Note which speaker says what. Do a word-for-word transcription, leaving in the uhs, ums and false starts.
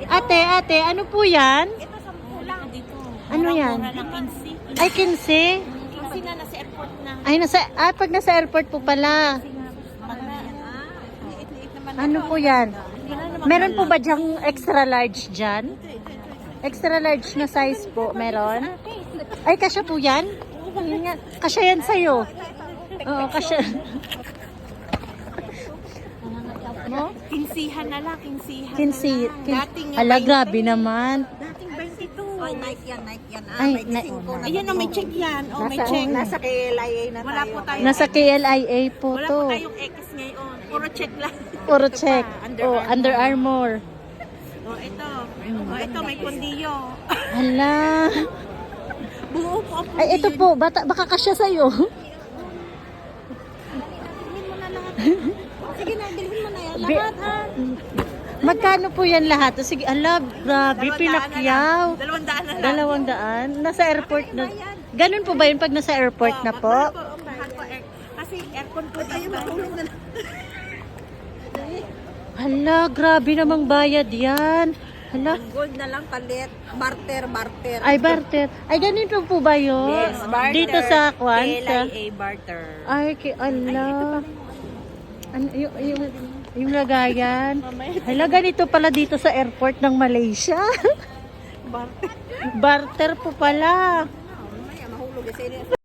Speaker 1: Ate, ate, ano po yan?
Speaker 2: Ito sa lang. Dito.
Speaker 1: Ano yan?
Speaker 2: Mura ng quincy.
Speaker 1: Ay, kinse.
Speaker 2: Quincy na, nasa airport na.
Speaker 1: Ay, nasa, ah, pag nasa airport po pala.
Speaker 2: Pag na, ah, liit-liit naman.
Speaker 1: Ano po yan? Meron po ba dyang extra large dyan? Extra large na size po, meron? Ay, kasya po yan? Yun nga, kasya yan sa'yo. Oo, kasya. No?
Speaker 2: Kinsihan na lang, kinsihan
Speaker 1: Kinsi.
Speaker 2: na lang.
Speaker 1: Kin
Speaker 2: Dating
Speaker 1: ala, grabe naman.
Speaker 2: Dating twenty-two.
Speaker 3: Ay, Nike yan, Nike yan. Ah,
Speaker 1: Ay,
Speaker 3: may
Speaker 1: na-
Speaker 3: gising ko na.
Speaker 2: Ayan, oh, may check yan. Oh, may
Speaker 1: Nasa-
Speaker 2: check.
Speaker 3: Nasa K L I A na
Speaker 2: Wala
Speaker 3: tayo.
Speaker 2: po tayo.
Speaker 1: Nasa K L I A po
Speaker 2: Wala
Speaker 1: to.
Speaker 2: po tayong X ngayon. Puro check lang.
Speaker 1: Puro
Speaker 2: Ito
Speaker 1: check.
Speaker 2: pa, Under
Speaker 1: Oh,
Speaker 2: Armour.
Speaker 1: Under Armour.
Speaker 2: Oh, ito. Oh, ito, may kundiyo.
Speaker 1: Hala.
Speaker 2: Buo po ang
Speaker 1: Ay, ito po. Bata, baka kasya sa'yo.
Speaker 2: Bilhin mo na lahat. Sige na, bilhin mo na yan.
Speaker 1: Bi-
Speaker 2: Lahat, ha?
Speaker 1: Magkano po yan lahat? O, sige, ala, grabe,
Speaker 2: Dalawang daan na
Speaker 1: pinakyaw.
Speaker 2: lang. Dalawang daan na lang.
Speaker 1: Dalawang daan. Nasa airport na. Ganun po ba yun pag nasa airport na po?
Speaker 2: Mahal po, mahal po, air- Kasi aircon po dito.
Speaker 1: Hala, grabe namang bayad yan. Hala.
Speaker 3: Gold na lang palit. Barter, barter.
Speaker 1: Ay, barter. Ay, ganito po ba yun?
Speaker 2: Yes, barter.
Speaker 1: Dito sa Kwan?
Speaker 2: K L
Speaker 1: Sa...
Speaker 2: I A barter.
Speaker 1: Ay, ki ala. Ano, yung, yung, yung lagayan. Hala, ganito pala dito sa airport ng Malaysia.
Speaker 2: Barter.
Speaker 1: Barter po pala.
Speaker 3: Mamaya, mahulog. Kasi